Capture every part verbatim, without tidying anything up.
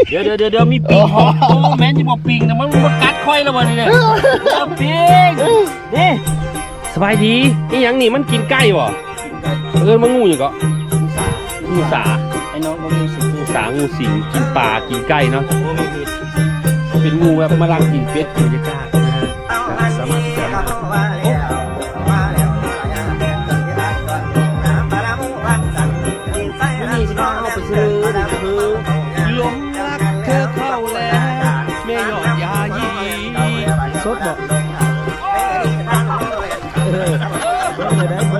เดี๋ยวเดี๋ยวเดี๋ยวมีปิงโอ้แม่นจะบอกปิงนะมันมันกัดค่อยแล้ววันนี้เนี่ยปิงนี่สบายดีนี่ยังนี่มันกินไก่วะเออมันงูอยู่ก็งูสาไอ้น้องก็งูสิงงูสางูสิงกินปลากินไก่เนาะเป็นงูแบบมาลังกินเป็ดกินจะกล้านะฮะสามารถจะนี่สิน้องเอาไปซื้อคือหลงรักเธอเข้าแล้วแม่ยอดยายีสดบอกเออเบิ้งเลยได้เบิ้ง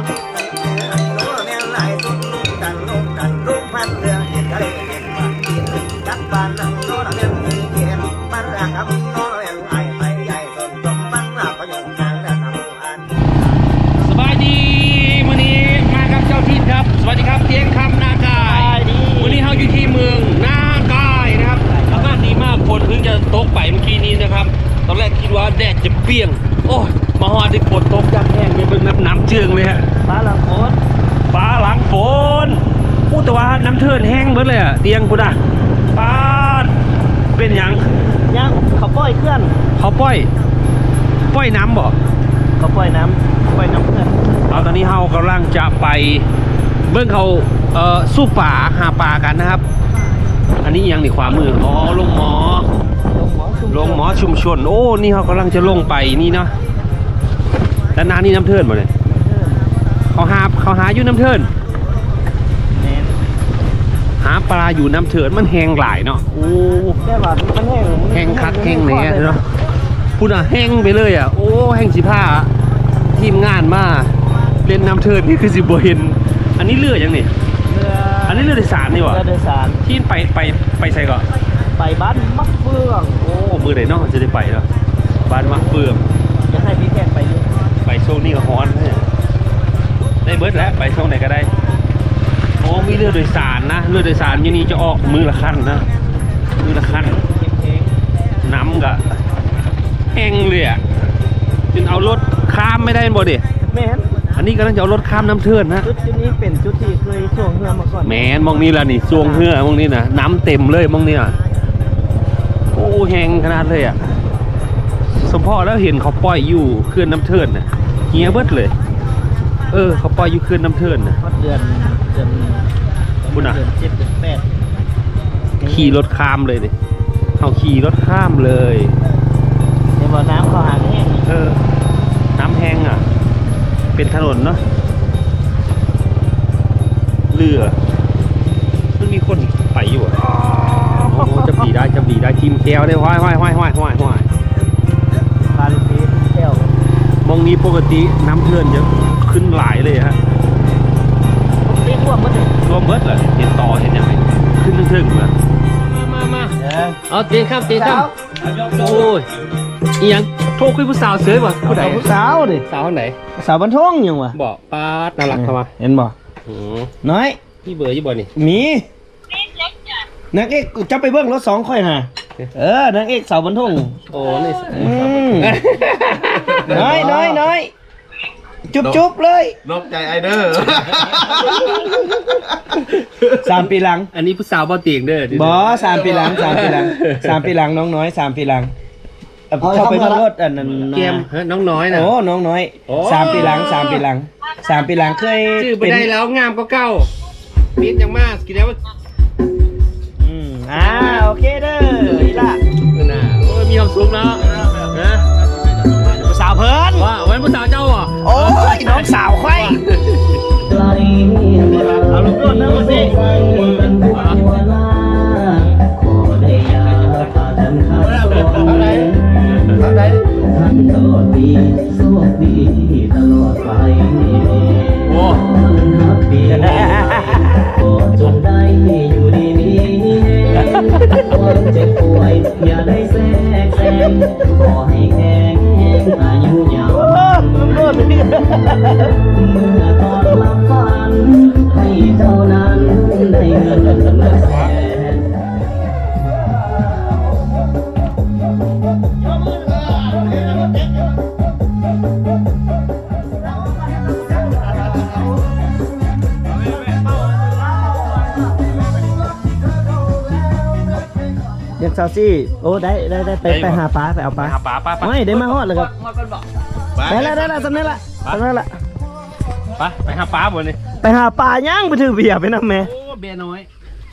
สบายดีวันนี้มากับเจ้าทินครับสวัสดีครับเตียงคำนากายวันนี้เราอยู่ที่เมืองนากายนะครับอากาศดีมากฝนเพิ่งจะตกไปเมื่อกี้นี้นะครับตอนแรกคิดว่าแดดจะเปรี้ยงโอ้ยมาฮอดที่ฝนตกยับแห้งไปเบิ่งน้ำน้ำเจืองเลยฮะฟ้าหลังฝนฟ้าหลังฝนพูดแต่ว่าน้ำเทินแห้งเบิดเลยอะเตียงกูด่ะฟ้าเป็นยังยังเขาปล่อยเคลื่อนเขาปล่อยปล่อยน้ำบ่เขาปล่อยน้ำปล่อยน้ำเคลื่อนเอาตอนนี้เฮากำลังจะไปเบิ่งเขาเอ่อสู้ป่าหาปลากันนะครับอันนี้ยังในขวามืออ๋อลงหมอลงหมอชุมชนโอ้นี่เขากำลังจะลงไปนี่เนาะด้านหน้านี่น้ำเทินหมดเลยเขาหาเขาหาอยู่น้ำเทินหาปลาอยู่น้ำเทินมันแห้งหลายเนาะโอ้แค่ว่ามันแห้งแห้งคักแห้งเนี่ยเนาะพูดอ่ะแห้งไปเลยอ่ะโอ้แห้งสิผ้าทีมงานมาเล่นน้ำเทินนี่คือสิบเห็นอันนี้เรือยังนี่อันนี้เรือโดยสารนี่วะเรือโดยสารที่ไปไปไปใส่ก่อนไปบ้านมักเฟืองโอ้มือไหนน้องจะได้ไปแล้วบ้านมักเฟืองจะให้พี่แขกไปอยู่ไปโซนนี้ก็ฮ้อนได้เบิร์ดแล้วไปโซนไหนก็ได้โอ้มีเรือโดยสารนะเรือโดยสารยี่นี้จะออกมือละขั้นนะมือละขั้นน้ำกะแห้งเลยอ่ะจนเอารถข้ามไม่ได้บ่ดิแมนอันนี้กำลังจะเอารถข้ามน้ำเทินนะจุดนี้เป็นจุดที่เคยส่วงเรือมาก่อนแมนมองนี่ละนี่ส่วงเรือมองนี่นะน้ำเต็มเลยมองนี่อ่ะโอ้แห้งขนาดเลยอ่ะสมพ่อแล้วเห็นเขาปล่อยอยู่เคลื่อนน้ำเทินนะเฮียเบิดเลยเออเขาปล่อยอยู่เคลื่อนน้ำเทินนะเดือนเดือนบุญอ่ะเดือนเจ็ดเดือนแปดขี่รถข้ามเลยดิเขาขี่รถข้ามเลยในบ่อน้ำเขาหางแห้งเออน้ำแห้งอ่ะเป็นถนนเนาะเรือมันมีคนไปอยู่อ่ะโอ้จะบีได้จะบีได้ทีมแก้วได้ห้อยห้อยห้อยห้อยห้อยห้อยพาลิฟีแก้วมองนี้ปกติน้ำเทินจะขึ้นหลายเลยฮะเรียกว่าเมื่อไหร่รวมเบิร์ดเลยเห็นต่อเห็นยังไงขึ้นถึงๆเลยมามาเอาเตียงข้ามเตียงข้ามโอ้ยอียังโทรคุยผู้สาวเสือบ่ผู้ใดผู้สาวดิสาวคนไหนสาวบรรทงยังวะบอกป้าน่ารักเข้ามาเห็นบ่น้อยพี่เบอร์ยี่บ่นี่มีนางเอกจะไปเบิ้งรถสองค่อยฮะเออนางเอกสาวบรรทงโอ้นี่น้อยน้อยน้อยจุ๊บจุ๊บเลยนกใจไอเดอร์สามปีหลังอันนี้ผู้สาวบ่เตียงเด้อบอสามปีหลังสามปีหลังสามปีหลังน้องน้อยสามปีหลังเข้าไปรถอันนั้นเกมน้องน้อยนะโอ้น้องน้อยสามปีหลังสามปีหลังสามปีหลังเคยชื่อไปได้แล้วงามก็เก้ามิดยังมากกินแล้วอืมอ่าโอเคเด้ออีล่ะน่ะโอ้ยมีความสุขเนาะนะสาวเพิ่นว่าวันผู้สาวเจ้าอ่ะโอ้ยน้องสาวค่อยเอาลูกต้นนะวันนี้อะไรอะไรท่านตลอดปีโชคดีตลอดไปโอ้ฮับปีก็จงได้อยู่ดีมีความเจ็บป่วยอย่าได้แทรกแซงขอให้แข็งอายุยาวเมื่อตอนหลับฝันให้เจ้านั้นได้เงินแสนเรียกซาวซี่โอ้ได้ได้ได้ไปไปหาปลาไปเอาปไปลาหาปลาไปไปไม่ได้มาฮอดเลยครับได้แล้วได้แล้วสำเร็จละสำเร็จละไปไปหาปลาบ่นี่ไปหาปลาย่างไปถือเบียร์ไปนำแม่โอ้เบียร์น้อย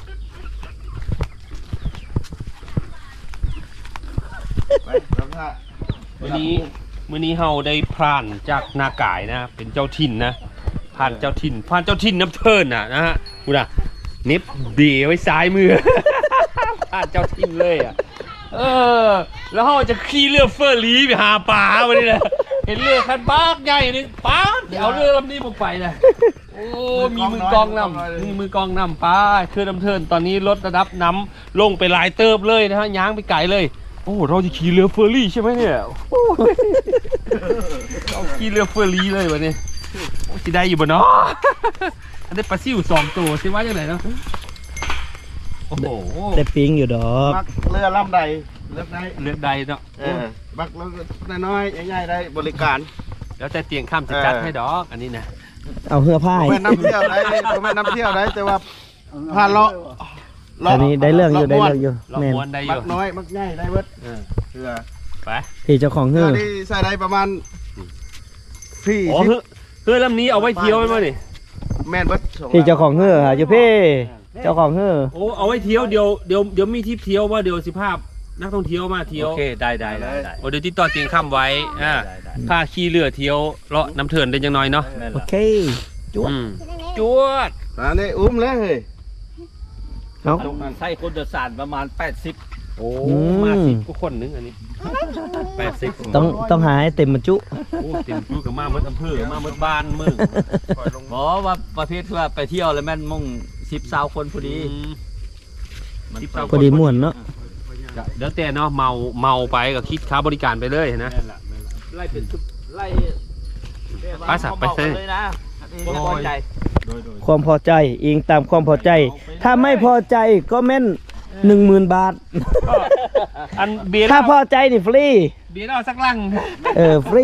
มื้อนี้มื้อนี้เฮาได้พรานจากนากายนะเป็นเจ้าถิ่นนะผ่านเจ้าถิ่นผ่านเจ้าถิ่นน้ำเทินน่ะนะฮะกูน่ะเน็บเบียร์ไว้ซ้ายมือ ผ่านเจ้าถิ่นเลยอ่ะเออแล้วเขาจะขี่เรือเฟอร์รี่ไปหาปลาวันนี้เลยเห็นเรือคันบ้ากใหญ่นึงป้าเดี๋ยวเอาเรือลำนี้ผมไปเลยโอ้มีมือกองนำมีมือกองนำป้าคือน้ำเทินตอนนี้ลดระดับน้ำลงไปหลายเติบเลยนะฮะย้างไปไกลเลยโอ้เราจะขี่เรือเฟอร์รี่ใช่ไหมเนี่ยโอ้เราขี่เรือเฟอร์รี่เลยวันนี้โอ้จะได้อยู่บ่เนาะอันนี้ปลาซิวสองตัวใช่ไหมยังไงเนาะโอ้โหได้ปิงอยู่ดอกมักเรือลำใดเลือกได้เลือกใดเนาะเออบักเรือน้อยๆใหญ่ๆได้บริการแล้วแต่เตียงข้ามจะจัดให้ดอกอันนี้นะเอาเหือผ้าไม่น้ำเที่ยวได้ไม่น้ำเที่ยวได้แต่ว่าพาเลาะอันนี้ได้เรื่องอยู่ได้เรื่องอยู่เราแม่นม้วนได้อบัยู่กน้อยบักใหญ่ได้เบิดเออเรือไปพี่เจ้าของเรืเหืออที่ใส่ได้ประมาณพี่อ๋อเฮ้ยเฮ้ยลำนี้เอาไว้เที่ยวไหมมั้ยนี่แม่นเบิดสพี่เจ้าของเหืออยู่พี่เจ้าของเหือโอ้เอาไว้เที่ยวเดี๋ยวเดี๋ยวเดี๋ยวมีทริปเที่ยวว่าเดี๋ยวสิภาพนักท่องเที่ยวมาเที่ยวโอเคได้ได้ได้ได้โอ้เดี๋ยวติดต่อเตียงข้ามไว้อ่าได้ได้พาขี่เรือเที่ยวเลาะน้ำเถินได้ยังน้อยเนาะแม่นโอละเคจวดอืมจวดอันนี้อุ้มแล้วเฮ้ยเอาใส่คนโดยสารประมาณแปดสิบโอ้อืมมาสิบกว่าคนนึงอันนี้แปดสิบต้องต้องหาให้เต็มบรรจุโอ้เต็มจุกับมาเมื่ออำเภอมาเมื่อบ้านมึงบอกว่าประเภทว่าไปเที่ยวแล้วแม่นมุ่งสิบสาวคนพอดีอืมมันสิบสาวพอดีม่วนเนาะเดี๋ยวแต่เนาะเมาเมาไปก็คิดค่าบริการไปเลยนะแม่นละแม่นละไล่เป็นทุกไล่ไปสักไปเซ่เลยนะบ่พอใจความพอใจอิงตามความพอใจ ถ้าไม่พอใจก็แม่นหนึ่งหมื่นบาทอันเบียร์ถ้าเราพอใจนี่ฟรีเบียร์เราสักลังเออฟรี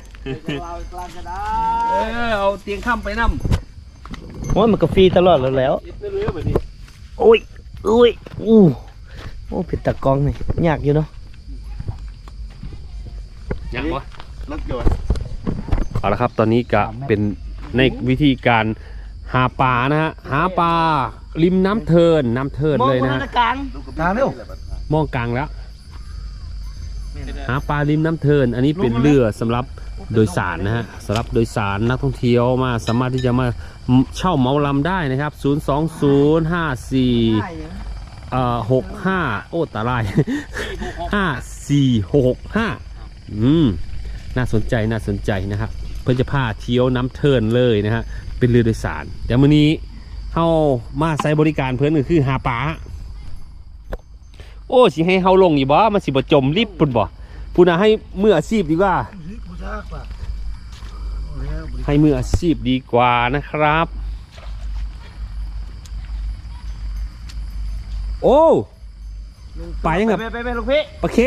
เออเอาเตียงข้ามไปนั่มโอ้ยมันก็ฟรีตลอดแล้วแหล้วเรือเรือแบบนี้โอ้ยอุ้ยอู้โอ้ผิดตะกองนี่ยากอยู่เนาะยังวะรถยนต์เอาละครับตอนนี้ก็เป็นในวิธีการหาปลานะฮะหาปลาริมน้ำเทินน้ำเทินเลยนะฮะกลางกลางเร็วมองกลางแล้ว หาปลาริมน้ำเทิน อันนี้เป็นเรือสำหรับโดยสารนะฮะสำหรับโดยสารนักท่องเที่ยวมาสามารถที่จะมาเช่าเหมาลำได้นะครับศูนย์ สอง ศูนย์ ห้า สี่ เอ่อหกห้าโอ้ตาลาย ห้าสี่หกห้าอืมน่าสนใจน่าสนใจนะครับ เพื่อจะพาเที่ยวน้ำเทินเลยนะฮะเป็นเรือโดยสารเดี๋ยวมื้อนี้เฮามาใช้บริการเพื่อนก็คือหาปลาโอ้สิให้เฮาลงอยู่บ่มันสิบ่จมลิบปุ่นบ่พูดนะให้มืออาชีพดีกว่า ให้มืออาชีพดีกว่านะครับโอ้ไปยังกับไปไปไปลูกพี่ปลาเค็ง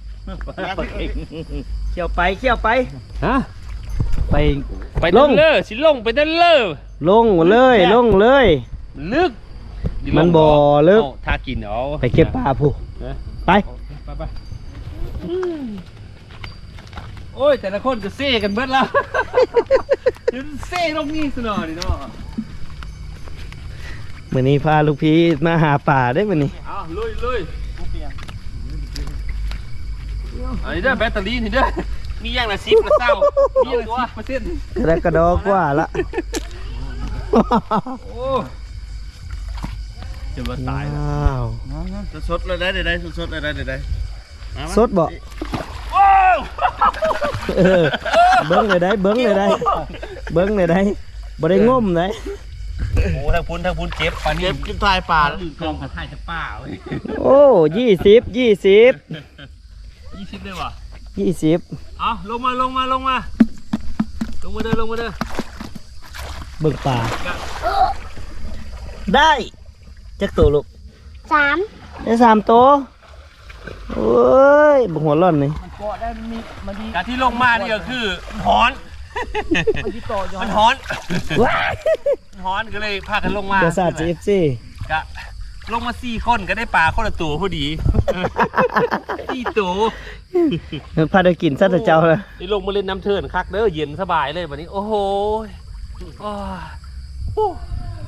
เขี่ยวไปเขี่ยวไปฮะไปไปลด้านงเลอสิลงไปด้านเลอลงเลยลงเลยลึกมันบ่ลึกเอาถ้ากินเอาไปเก็บปลาผู้เออไปไปไปโอ้ยแต่ละคนก็เซ่กันเบิดแล้ว ยืนเซ่ลงนี่สนอดิเนาะมื้อนี้พาลูกพี่มาหาปลาได้มื้อนี้เอาลุยลุยอันนี้เด้อแบตเตอรี่นี่เด้อมีอย่างละสิบละเศร้ามีอย่างละสิบเปอร์เซ็นต์กระกระดอกว่าละโอ้จะมาตายว้าวสดๆเลยได้ได้สดๆเลยได้ได้สดบ่เออเบิ้งเลยได้เบิ้งเลยได้เบิ้งเลยได้บ่ได้ง่มได้โหทางพุ้นทางพุ้นเจ็บปลานี่เก็บกินทายปลากองกระถ่ายจะป้าเว้ยโอ้ยี่สิบยี่สิบยี่สิบเลยวะยี่สิบเอาลงมาลงมาลงมาลงมาเด้อลงมาเด้อเบิ้งปลาได้จักตัวลูกสามได้สามตัวโอ้ยบักหัวร่อนนี่การที่ลงมานี่ก็คือฮ้อนมันฮ้อนว้ายฮ้อนก็เลยพากันลงมาเจ้าศาสตร์ จี เอฟ ซีกะลงมาสี่คนก็ได้ปลาคนละตัวพอดีสี่ตัวพาได้กินซะแต่เจ้าเลยนี่ลงมาเล่นน้ำเทินคักเด้อเย็นสบายเลยวันนี้โอ้โหอ้าวโอ้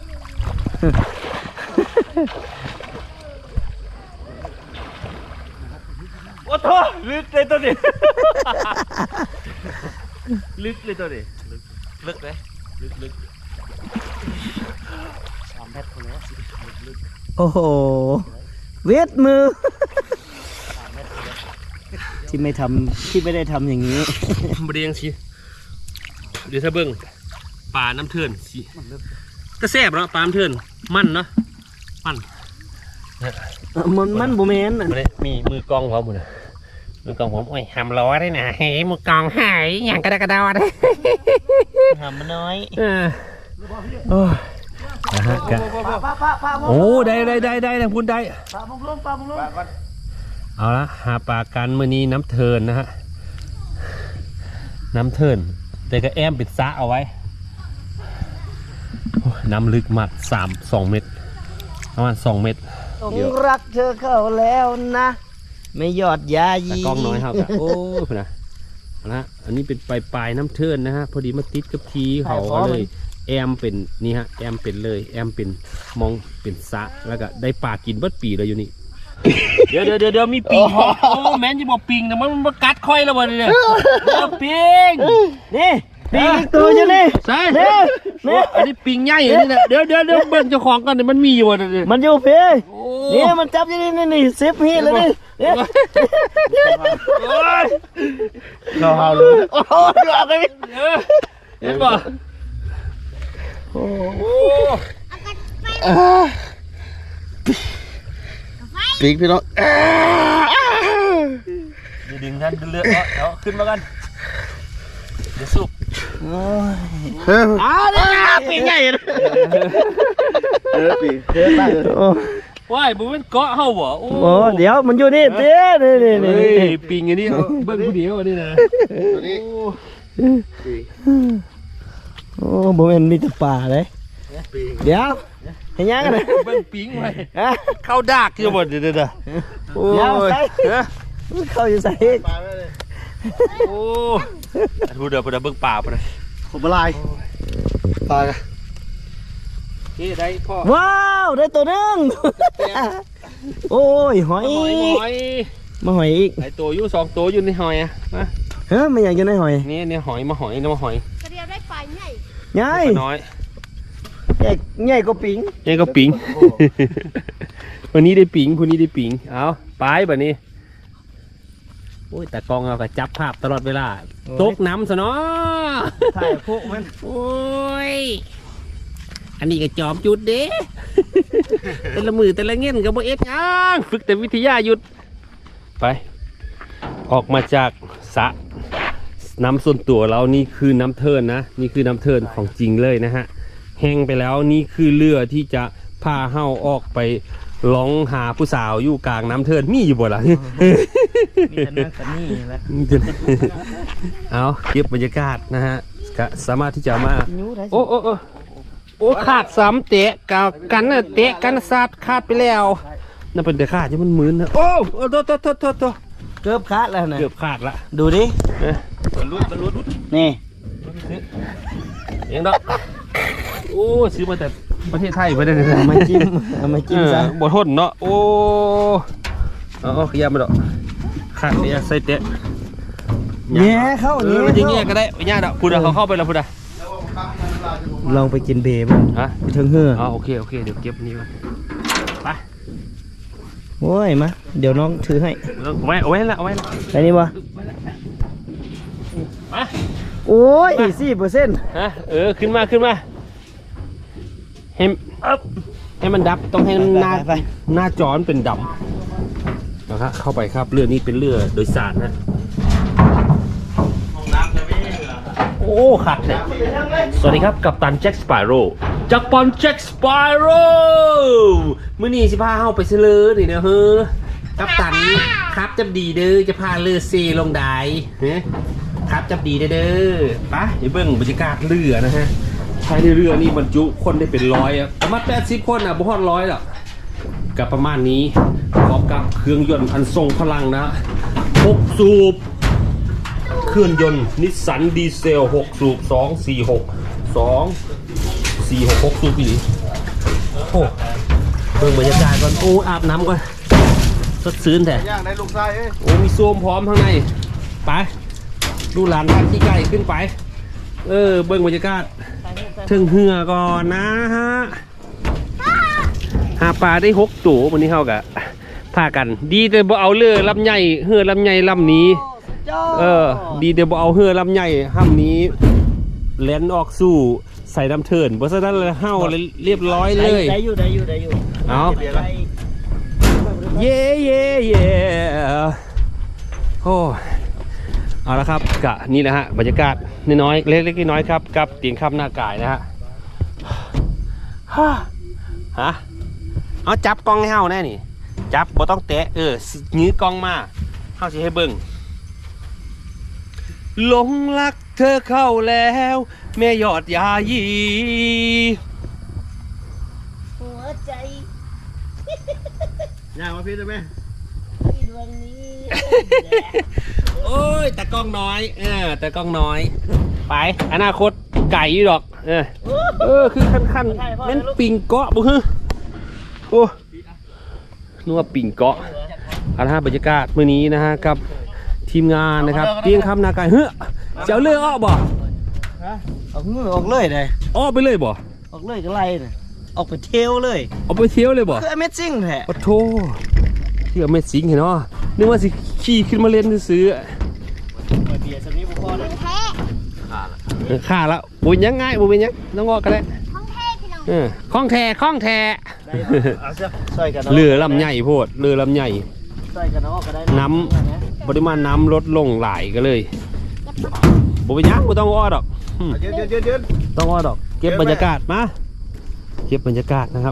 โอ้โหลึกเลยตัวนี้ ลึกเลยตัวนี้ลึกลึกเลยลึกลึกสามเมตรคนแล้วลึกโอ้โหเวทมือ ที่ไม่ทำที่ไม่ได้ทำอย่างนี้บริยังสิเดี๋ยวถ้าเบิ้งปลาน้ำเทินสิก็แซ่บเนาะปลาน้ำเทินมันเนาะมันมันมันโบแมนมาเลยมีมือกองพร้อมหมดเลยมือกองผมโอ้ยหำล้อได้นะเฮ้ยมือกองหายอย่างกระดากระดาได้หำมันน้อยเออโอ้ยนะฮะกะโอ้ได้ได้ได้ได้นะพูดได้ปลาบุกลงปลาบุกลงเอาละหาปลากันมื้อนี้น้ำเทินนะฮะน้ำเทินแต่ก็แอมปิดซะเอาไว้โอ้ยน้ำลึกมากสามสองเมตรประมาณสองเมตรต้องรักเธอเข้าแล้วนะ ไม่ยอดยายีแต่กล้องน้อยครับโอ้ยพุ่นนะเอาละอันนี้เป็นปลายปลายน้ำเทินนะฮะพอดีมาติดกับทีเขาก็เลยแอมเป็นนี่ฮะแอมเป็นเลยแอมเป็นมองเป็นสะแล้วก็ได้ปลากินเบิดปีเลยอยู่นี่ เดี๋ยวเดี๋ยวเดี๋ยวมีปิงเหรอโอ้แม่นจะบอกปิงนะมันมันกัดค่อยแล้ววันนี้เนี่ยเดี๋ยวปิงนี่ปีกอีกตัวอยู่นี่ใช่นี่นี่อันนี้ปิงใหญ่อันนี้นะเดี๋ยวเดี๋ยวเดี๋ยวเบิ้ลเจ้าของกันเนี่ยมันมีอยู่อ่ะเนี่ยมันอยู่พี่โอ้นี่มันจับอยู่นี่นี่นี่ซิปฮีดเลยนี่นี่โอ้ยเราเอาเลยโอ้โหดูเอาไปเออเห็นป่ะโอ้โอ้ปีกพี่น้องเดี๋ยวดึงท่านเลือดเอาเอาขึ้นมากันเดี๋ยวสุกโอ้ยเฮ้ยอ้าวนี่ปีกใหญ่เลยเออปีกเฮ้ยตั้งโอ้ว้ายบุ้มเป็นเกาะเฮาบ่โอ้โหเดี๋ยวมันอยู่นี่เดี๋ยวนี่นี่นี่เฮ้ยนี่ปิงอันนี้เอาเบิ้ลผู้เดียวอันนี้นะตัวนี้โอ้โบแมนมีแต่ป่าเลยปีกเดี๋ยวเห็นยังกันเลยเบิ้ลปิงไว้ฮะเข้าดากอยู่บ่เดี๋ยวเดี๋ยวเดี๋ยวโอ้เดี๋ยวย ใส่ฮะเข้าอยู่ใส่อีกปลาไม่เลยโอ้พูดเดี๋ยวพูดเดี๋ยวเบิ้งป่าไปเลยผมละลายปลานี่ได้พ่อว้าวได้ตัวหนึงโอ้ยหอยหอยหอยมาหอยอีกไอตัวอยู่สองตัวอยู่ในหอยอ่ะมาเฮ้ยไม่อยากจะได้หอยนี่เนี่ยหอยมาหอยนี่มาหอยกระเดียวได้ปลาใหญ่ใหญ่ปลาน้อยใหญ่ใหญ่กว่าปิงนี่ก็ปิง วันนี้ได้ปิงพรุ่งนี้ได้ปิงเอาไปแบบนี้โอ้ยแต่กองเอากระจับภาพตลอดเวลาตกน้ำซะเนาะถ่ายพวกมันโอ้ยอันนี้ก็จอมจุดเด้ แต่ละมือแต่ละเงี้ยก็บ่เอ็ดหยังฝึกแต่วิทยาหยุดไป ออกมาจากสระน้ำส่วนตัวเรานี่คือน้ำเทินนะนี่คือน้ำเทินของจริงเลยนะฮะแห้งไปแล้วนี่คือเรือที่จะพาเฮาออกไปร้องหาผู้สาวอยู่กลางน้ำเทินมีอยู่บ่ล่ะมีแต่นั่งแต่นี่แหละเอาเก็บบรรยากาศนะฮะก็สามารถที่จะมานิ้วได้โอ้โอ้โอ้โอ้ขาดสามเตะกับกันน่ะเตะกันซาดขาดไปแล้วนั่นเป็นแต่ขาดที่มันมืนนะโอ้โอ้โตโตโตโตโตเกือบขาดแล้วนะเกือบขาดละดูดิเอ๊ะบรรลุบรรลุนี่เองดอกโอ้ซื้อมาแต่ประเทศไทยไปได้เลยเอามาจิ้มเอามาจิ้มซะบดทนเนาะโอ้เอาเอาขยับมาดอกขาดเนี่ยใส่เตะแย่เข้าเออมันจะเงี้ยก็ได้ไม่ยากดอกพูดอะเขาเข้าไปแล้วพูดอะลองไปกินเบบ้างฮะไปถึงเหืออ๋อโอเคโอเคเดี๋ยวเก็บนี่ไว้ไปโอ้ยมาเดี๋ยวน้องถือให้เอาไว้เอาไว้ละเอาไว้ละไปนี่บ่มาโอ้ยสี่เปอร์เซ็นต์ฮะเออขึ้นมาขึ้นมาให้ให้มันดับต้องให้หน้าหน้าจอมันเป็นดำนะครับเข้าไปครับเรือนี้เป็นเรือโดยสารนะโอ้ขัดเลยสวัสดีครับกัปตันแจ็คสปาโร่จักรปอนแจ็คสปาโร่มื่อนี้สิพาเข้าไปเสลอนี่นะเฮ้อกัปตันครับจับดีเด้อจะพาเรือเซลงได้เฮ้ครับจับดีเด้อเด้อไปเดี๋ยวเบิ่งบรรยากาศเรือนะฮะภายในเรือนี่บรรจุคนได้เป็นร้อยอะประมาณแปดสิบคนอ่ะบ่ฮอดร้อยหรอกกับประมาณนี้พร้อมกับเครื่องยนต์อันทรงพลังนะหกสูบเครื่องยนต์นิสสันดีเซลหกสูบสอง สี่ หก สอง สี่ หก หกสูบอีกโอ้เบิ่งบรรยากาศก่อนโอ้อาบน้ำก่อนสดชื่นแต่ย่างในลูกชายเอ้ยโอ้มีโซมพร้อมข้างในไปดูหลานท่านที่ใกล้ขึ้นไปเออเบิ่งบรรยากาศถึงเหือก่อนนะฮะหาปลาได้หกตัววันนี้เขากะพากันดีแต่บ่เอาเรือลำใหญ่เหือลำใหญ่ลำนี้เออดีแต่บ่เอาเหือลำใหญ่ห้ำนี้แล่นออกสู่ใส่น้ำเถินเพราะฉะนั้นเลยเห่าเลยเรียบร้อยเลยได้อยู่ได้อยู่ได้อยู่เอาได้เย่เย่เย่โอ้เอาละครับกะนี่แหละฮะบรรยากาศน้อยๆเล็กๆน้อยๆครับกับเตียงคำหน้ากายนะฮะฮ่าฮะเอาจับกล้องให้เฮาแน่นี่จับบ่ต้องแตะเออยื้อกล้องมาเฮาสิให้เบิ่งหลงรักเธอเข้าแล้วแม่ยอดยายีหัวใจย่างมาพี่ได้ไหมที่ดวงนี้โอ้ยแต่กล้องน้อยเออแต่กล้องน้อยไปอนาคตไก่อยู่ดอกเออเออคือคันคันๆแม่นปิงเกาะบุฮึโอ้นัวปิงเกาะเอาละฮะบรรยากาศมื้อนี้นะฮะกับทีมงานนะครับเตียงคำนาไก่เฮ้ยเจ้าเลือกอ้อบ่ออกมือออกเลยเลยอ้อไปเลยบ่ออกเลยก็ไล่เลยออกไปเที่ยวเลยเอาไปเที่ยวเลยบ่คือ Amazing แท้โอ้โธ่ที่เอาเม็ดสิงเห็นเนาะนึกว่าสิขี่ขึ้นมาเล่นซื้อเบียร์สักนี้บ่พอเลยแท้เออค่าแล้วบุญยังไงบุญเป็นยังน้องงอกกันแล้วท้องแท้พี่น้องเออคล้องแท้คล้องแท้เอาเสื้อใส่กันเรือลำใหญ่โพดเรือลำใหญ่ใส่กันเนาะก็ได้น้ำปริมาณน้ำลดลงหลายก็เลยบุเป็นหยังบุต้องอ้อดอกอืมเย็นเย็นเย็นเย็นต้องอ้อดอก เก็บบรรยากาศมาเก็บบรรยากาศนะครับ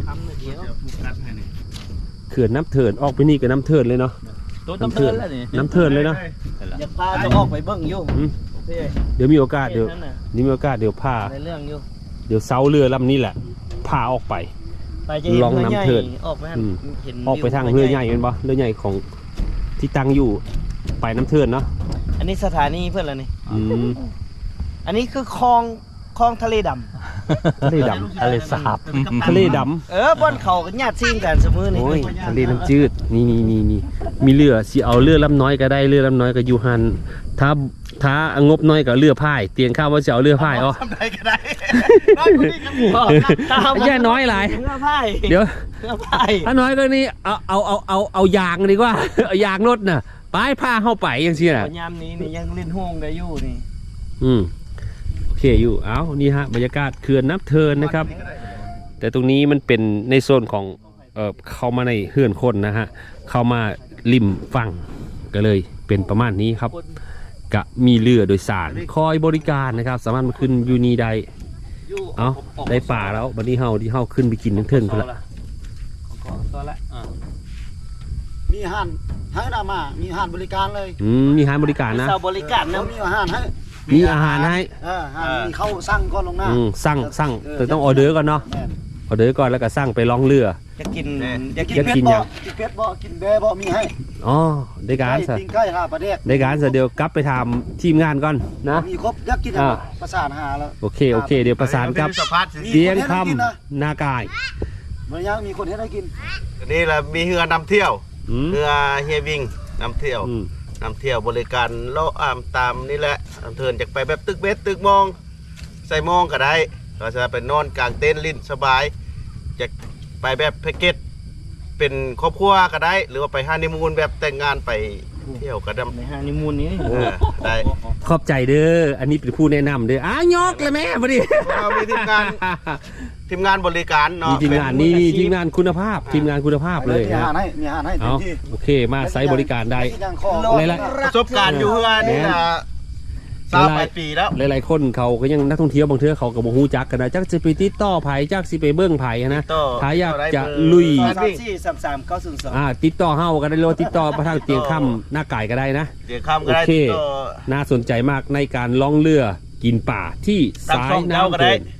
เขื่อนน้ำเถินออกไปนี่กับน้ำเถินเลยเนาะตัวน้ำเทินแล้วนี่น้ำเถินเลยเนาะอยากพาจะออกไปเบิ่งอยู่อืมพี่เดี๋ยวมีโอกาสเดี๋ยวนั่นน่ะนี่มีโอกาสเดี๋ยวพาในเรื่องอยู่เดี๋ยวเซาเรือลำนี้แหละพาออกไปไปจะเห็นลองเรือใหญ่น้ำเถิดออกไปหั่นอืมเห็นออกไปทางเรือใหญ่เป็นปะเรือใหญ่ของที่ตั้งอยู่ไปน้ำเถินเนาะอันนี้สถานีเพื่อนอะไรนี่อืมอันนี้คือคลองคลองทะเลดำทะเลดำทะเลสาบทะเลดเออบ่อนเขากันญาติซิ่งกันเสมอำนี่โอ้ยทะเลน้ำจืดนี่นี่นี่นี่มีเรือสิเอาเรือลำน้อยก็ได้เรือลำน้อยก็อยู่หันถ้าถ้างบน้อยก็เรือพายเตียงข้าวว่าจะเอาเรือพายอ๋อทำได้ก็ได้น้อยกว่านี้ก็มีแย่น้อยหลายเรือพายเดี๋ยวเรือพายถ้าน้อยก็นี่เอาเอาเอาเอาเอายางดีกว่า เอายางรถน่ะไปพาเข้าไปอย่างเชี่ยน่ะยามนี้นี่ยังเล่นโฮงได้อยู่นี่อืมโอเคอยู่เอานี่ฮะบรรยากาศเขื่อนน้ำเทินนะครับ แต่ตรงนี้มันเป็นในโซนของเออเข้ามาในเฮือนคนนะฮะเข้ามาริมฝั่งก็เลยเป็นประมาณนี้ครับกะมีเรือโดยสารคอยบริการนะครับ สามารถมาขึ้นอยูนีได้เอาได้ป่าแล้ววันนี้เฮาที่เฮาขึ้นไปกินทั้งเทิงกันละตัวละอ่ามีอาหารให้นามา มีอาหารบริการเลยอืมมีอาหารบริการนะเสาบริการแล้วนะมีอาหารให้มีอาหารให้เอออาหารมีเข้าสั่งก่อนลงหน้าอืมสั่งสั่งแต่ต้องออเดอร์ก่อนเนาะแม่นออเดอร์ก่อนแล้วก็สั่งไปล่องเรือจะกินอยากอยากกิกินนหยัเป็งดบ่กินเป็ดบ่กินเบบ่มีให้อ๋อได้การไก่ซะปิ้งไก่หาประเดกได้การซะเดี๋ยวกลับไปทำทีมงานก่อนนะมีครบอยากกินอะไรอ่าประสานหาแล้วโอเคโอเค เดี๋ยวประสานกับสภาพสิเตียงคำนากายมันยังมีคนให้ได้กินนี่แหละมีเรือนำเที่ยวอืมเรือเฮียวิงนำเที่ยวอืมนำเที่ยวบริการโลอามตามนี่แหละนำเทินจากไปแบบตึกเบ็ดตึกมอง ใส่มองก็ได้เราจะไปนอนกลางเต็นท์ลิ้นสบายจากไปแบบแพ็กเกจเป็นครอบครัวก็ได้ หรือว่าไปฮันนีมูนแบบแต่งงานไปเที่ยวก็ได้ในฮานิมูนนี้เออได้ขอบใจเด้อ อันนี้เป็นผู้แนะนำเด้ออ้ายกเลยแม่พอดีเรามีทีมงานทีมงานบริการเนาะมีทีมงานนี่นี่ทีมงานคุณภาพ ทีมงานคุณภาพเลยมีอานะหารให้มีอาหารให้เต็เอามที่โอเคมาใช้บริการได้ยังคออะไรละประสบการณ์อยู่เพื่อนนี่นะสามปลายปีแล้วหลายๆคนเขาก็ยังนักท่องเที่ยวบางเทื่อเขาก็บ่ฮู้จักกันนะจักสิไปติดต่อไผจักสิไปเบิ่งไผนะต่อถ้าอยากจะลุยสามสี่สามสามเก้าศูนย์สองอ่าติดต่อเฮาก็ได้เลยติดต่อมาทางเตียงค่ำหน้าไก่ก็ได้นะเดี๋ยวคำก็ได้โอเคต่อน่าสนใจมากในการล่องเรือกินป่าที่ตามสาช่ยองเจ้าก็น้ำได้เดิน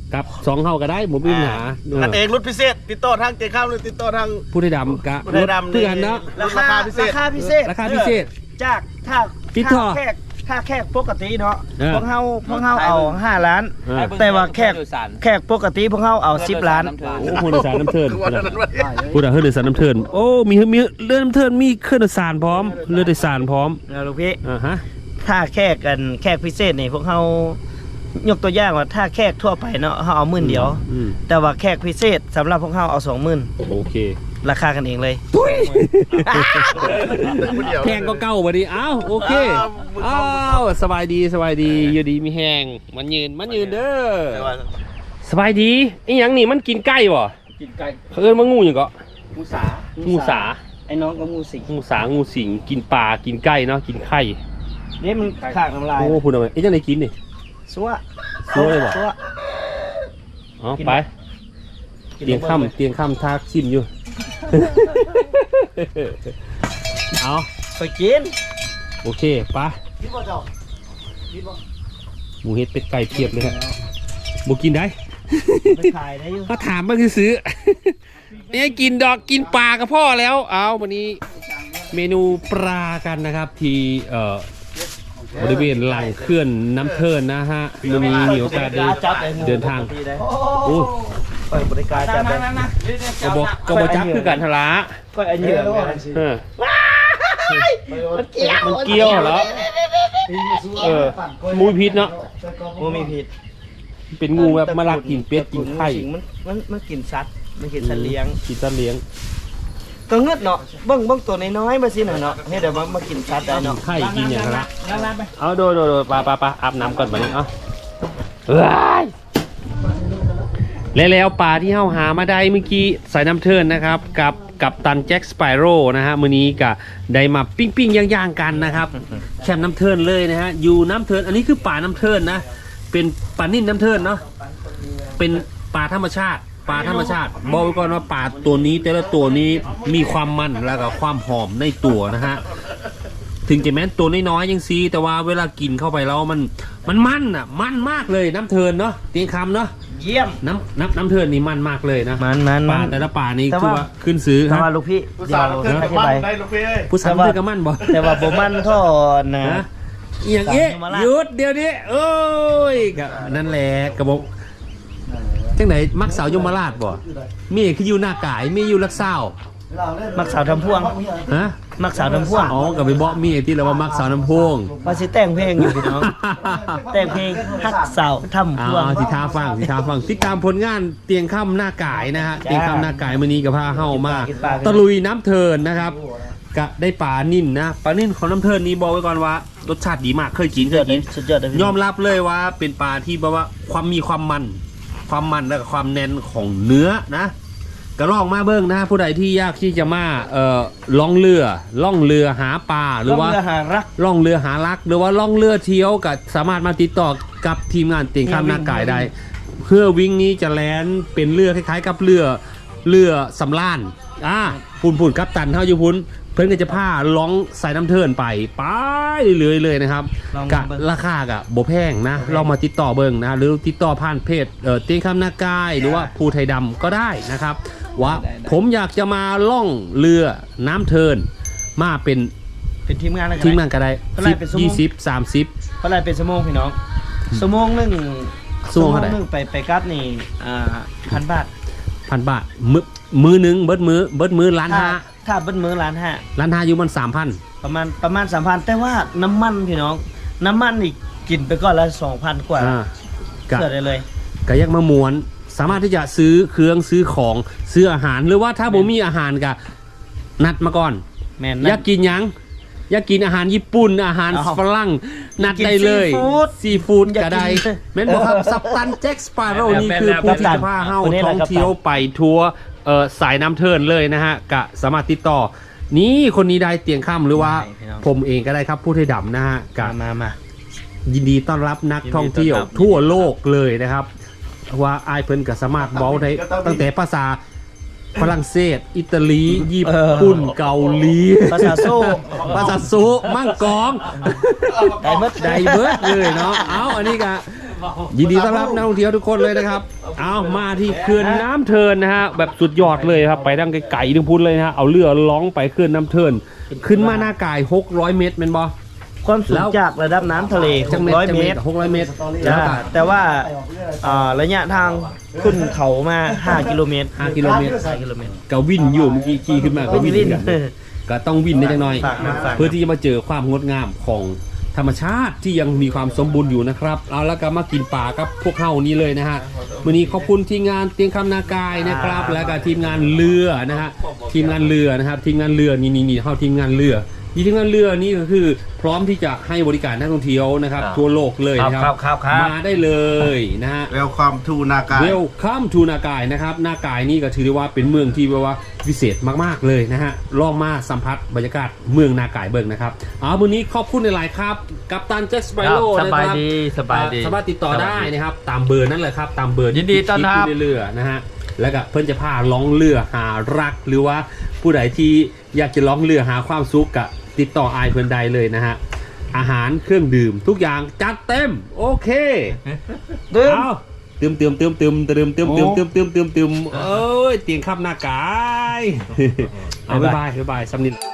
กับสองเฮาก็ได้ผมมีปัญหาเอออันเองรุ่นพิเศษติดต่อทางเจ๊ข้ามหรือติดต่อทางผู้ไทยดำกะผู้ไทยดำเพื่อนเนาะราคาพิเศษราคาพิเศษราคาพิเศษจากถ้าติดต่อถ้าแขกถ้าแขกปกติเนาะเออพวกเฮาพวกเฮาเอาห้าล้านเออแต่ว่าแขกแขกปกติพวกเฮาเอาสิบล้านโอ้ผู้โดยสารน้ำเทินวันนั้นวันนี้ผู้โดยสารน้ำเทินโอ้มีมีเรือน้ำเทินมีเครื่องโดยสารพร้อมเรือโดยสารพร้อมนะลูกพี่อ่าฮะถ้าแขกกันแขกพิเศษนี่พวกเฮายกตัวอย่างว่าถ้าแขกทั่วไปเนาะเฮาเอาหมื่นเดียวอืมแต่ว่าแขกพิเศษสำหรับพวกเฮาเอาสองหมื่นโอเคราคากันเองเลยแพงก็เก้าวันนี้อ้าวโอเคอ้าวสบายดีสบายดีอยู่ดีมีแหงมันยืนมันยืนเด้อสบายดีไอ้หยังนี่มันกินไก่บ่กินไก่เขาเอิ้นว่างูหยังก็งูสางูสาไอ้น้องก็งูสิงงูสางูสิงกินปลากินไก่เนาะกินไข่นี่มันขากน้ำลายโอ้พูดทำไมไอ้จังไดกินนี่ซัวซัวเลยบ่ซัวอ๋อไปเตียงค่ำเตียงค่ำทากชิมอยู่ เอาไปกินโอเคไปกินบ่เจ้ากินบ่หมูเฮ็ดเป็ดไก่เพียบเลยฮะบ่กินได้ไปขายได้อยู่ก็ถามบ้างซื้อๆไม่ให้กินดอกกินปลากับพ่อแล้ว เอาวันนี้เมนูปลากันนะครับที่เอ่อบริเวณหลังเขื่อนน้ำเทินนะฮะวันนี้มีโอกาสได้เดินทางโอ้ยเปิดบริการจับได้กระบอกกระบอกจับคือการทลาก็อันเยอะเออมันเกี่ยวมันเกี่ยวเหรอเออมูพิษเนาะงูมีพิษเป็นงูแบบมาลักกินเป็ดกินไข่มันมันมันกินสัตว์มันกินสัตว์เลี้ยงกินสัตว์เลี้ยงก็เงือดเนาะเบิ่งเบิ่งตัวน้อยๆมาสิหน่อยเนาะให้เดี๋ยวมามากินสัตว์ได้เนาะไข่กินอย่างละเอาโดยโดยโดยปลาปลาปลาอาบน้ำก่อนมาเนี่ยเอาเฮ้ยและแล้วปลาที่เฮาหามาได้เมื่อกี้สายน้ำเทินนะครับกับกับตันแจ็คสไปโร่นะฮะมื้อนี้ก็ได้มาปิ้งปิ้งย่างๆกันนะครับแคมป์น้ำเทินเลยนะฮะอยู่น้ำเทินอันนี้คือป่าน้ำเทินนะเป็นปลานิ่นน้ำเทินเนาะเป็นปลาธรรมชาติปลาธรรมชาติบอกไว้ก่อนว่าปลาตัวนี้แต่ละตัวนี้มีความมันแล้วก็ความหอมในตัวนะฮะถึงจะแม้นตัวน้อยๆยังซีแต่ว่าเวลากินเข้าไปแล้วมันมันมันอ่ะมันมากเลยน้ำเทินเนาะเตียงคำเนาะเยี่ยมน้ำน้ำน้ำเทินนี่มันมากเลยนะมันมันป่ามันแต่ละป่านี่แต่คือว่าว่าขึ้นซื้อแต่ฮะว่าลูกพี่ผู้เดี๋ยสาววเกิดอกับธิมันบายได้ลูกพี่เอ้ยผู้สาวแต่ว่าเทือกับมันบ่แต่ว่าบ่มันเท่อนะฮะอหย่างเอ๊ะสามยมราชหยุดเดี๋ยวนี้โอ้ยกับนั่นแหละกระบอกจังไหนมักสาวยมราชบ่มีคืออยู่หน้ากายมีอยู่ลักเศร้ามักสาวทำพ่วงฮะมักสาวทำพ่วงอ๋อกับไปบอกมีที่เราว่ามักสาวน้ำพวงว่าสิแต่งเพลงอยู่พี่น้อง แต่งเพลงฮักสาวทำเอาพ่วงเอาสิท้าฟังสิท้าฟังติดตามผลงานเตียงค่ำหน้ากายนะฮะเตียงค่ำหน้ากายมื้อนี้กับพาเฮามาตะลุยน้ำเทินนะครับก็ได้ปลานิ่นนะปลานิ่นของน้ำเทินนี้บอกไว้ก่อนว่ารสชาติดีมากเคยกินเคยกินสุดยอดเลยพี่ยอมรับเลยว่าเป็นปลาที่แบบว่าความมีความมัน ความมันและความแน่นของเนื้อนะก็ลองมาเบิ้งนะผู้ใดที่อยากที่จะมาเอ่อล่องเรือล่องเรือหาปลาหรือว่าล่องเรือหารักล่องเรือหารัก หรือว่าล่องเรือเที่ยวก็สามารถมาติดต่อกับทีมงานเตียงข้ามหน้ากายได้เพื่อวิ่งนี้จะแลนเป็นเรือคล้ายๆ กับเรือเรือสำราญอ่าพุ่นพุ่นกัปตันเท่าอยู่พุ่นเพื่อนก็จะพาล่องสายน้ำเทินไปไปเรื่อยๆเลยนะครับลองกะเบิ่งราคากะบ่แพงนะลองมาติดต่อเบิ่งนะหรือติดต่อผ่านเพจเอ่อเตียงคำนากายหรือว่าภูไทยดำก็ได้นะครับว่าผมอยากจะมาล่องเรือน้ำเทินมาเป็นเป็นทีมงานอะไรทีมงานก็ได้เท่าไหร่สิบเป็นชั่วโมงยี่สิบสามสิบเท่าไหรเป็นชั่วโมงพี่น้องชั่วโมงหนึ่งชั่วโมงเท่าไหร่หนึ่งไปไปกลับนี่อ่าพันบาทพันบาทมือมือหนึ่งเบิดมือเบิดมือล้านถ้าห้าถ้าเบิ้ลมือล้านห้าล้านห้าอยู่มันสามพันประมาณประมาณสามพันแต่ว่าน้ำมันพี่น้อง น้ำมันอีกกินไปก่อนละสองพันกว่าอ่า กะเกิดได้เลยกะยักมามวนสามารถที่จะซื้อเครื่องซื้อของซื้ออาหารหรือว่าถ้าบ่มีอาหารกะนัดมาก่อนแม่นอยากกินหยังอยากกินอาหารญี่ปุ่นอาหารอ้าวฝรั่งนัดได้เลยซีฟู้ดซีฟู้ดอยากก็ได้กินแม่นบอกครับซับตันแจ็คสปาโร่นี่คือแม่นผู้ที่กัปตันจะพาเฮาคนนี้แหท่ละองกัปตันเที่ยวไปทัวร์เอ่อสายน้ำเทินเลยนะฮะกะสามารถติดต่อ นี่คนนี้ได้เตียงข้ามหรือว่าใช่พี่น้องผมเองก็ได้ครับผู้ไทยดำนะฮะกะมามามายินดีต้อนรับนักท่องเที่ยวยินดีต้อนรับทั่วโลกเลยนะครับ ว่าอายเพิ่นก็สามารถเว้าได้ตั้งแต่ภาษาฝรั่งเศส อิตาลี ญี่ปุ่นเกาหลีภาษาโซ่ภาษาโซมั่งกองได้หมดไดเบิร์ดเลยเนาะ เอาอันนี้ก็ยินดีต้อนรับนักท่องเที่ยวทุกคนเลยนะครับ เอามาที่เขื่อนน้ำเทินนะฮะแบบสุดยอดเลยครับไปดังไกลๆดึงพุ้นเลยนะฮะเอาเรือล่องไปเขื่อนน้ำเทินขึ้นมาหน้ากายหกร้อยเมตรเป็นบอความสูงจากระดับน้ำทะเลหกร้อยเมตรหกร้อยเมตรจ้าแต่ว่าอ่าระยะทางขึ้นเขามาห้ากิโลเมตรห้ากิโลเมตรห้ากิโลเมตรก็วินอยู่เมื่อกี้ขี่ขึ้นมาก็วินวินกันก็ต้องวินได้จังหน่อยฝากนะฝากนะเพื่อที่จะมาเจอความงดงามของธรรมชาติที่ยังมีความสมบูรณ์อยู่นะครับเอาแล้วก็มากินป่ากับพวกเฮานี้เลยนะฮะวันนี้ขอบคุณทีมงานเตียงคำนากายนะครับ แล้วก็ทีมงานเรือนะฮะทีมงานเรือนะครับทีมงานเรือนี่นี่นี่เฮาทีมงานเรือทีมงานเรือนี่ก็คือพร้อมที่จะให้บริการนักท่องเที่ยวนะครับทั่วโลกเลยนะครับมาได้เลยนะฮะ Welcome to นากายเวลคัมทูนากายนะครับนากายนี่ก็ถือได้ว่าเป็นเมืองที่แบบว่าพิเศษมากๆเลยนะฮะลองมาสัมผัสบรรยากาศเมืองนากายเบิ่งนะครับเอาวันนี้ขอบคุณในหลายๆครับกัปตันแจ็คสไปโร่สนะบายครับดีสบายดีสามารถติดต่อได้นะครับตามเบอร์นั่นเลยครับตามเบอร์ยินดีต้อนรับที่เรือนะฮะแล้วก็เพิ่นจะพาล่องเรือหารักหรือว่าผู้ใดที่อยากจะล่องเรือหาความสุขกะติดต่ออายเพิ่นใดเลยนะฮะอาหารเครื่องดื่มทุกอย่างจัดเต็มโอเคดื่มเอาเติมเติมเติมเติมเติมเติมเติมเติมเติมเติมเติมเอ้ยเตียงขับหน้ากาย เอาบ๊ายบายบ๊ายบายสำนิท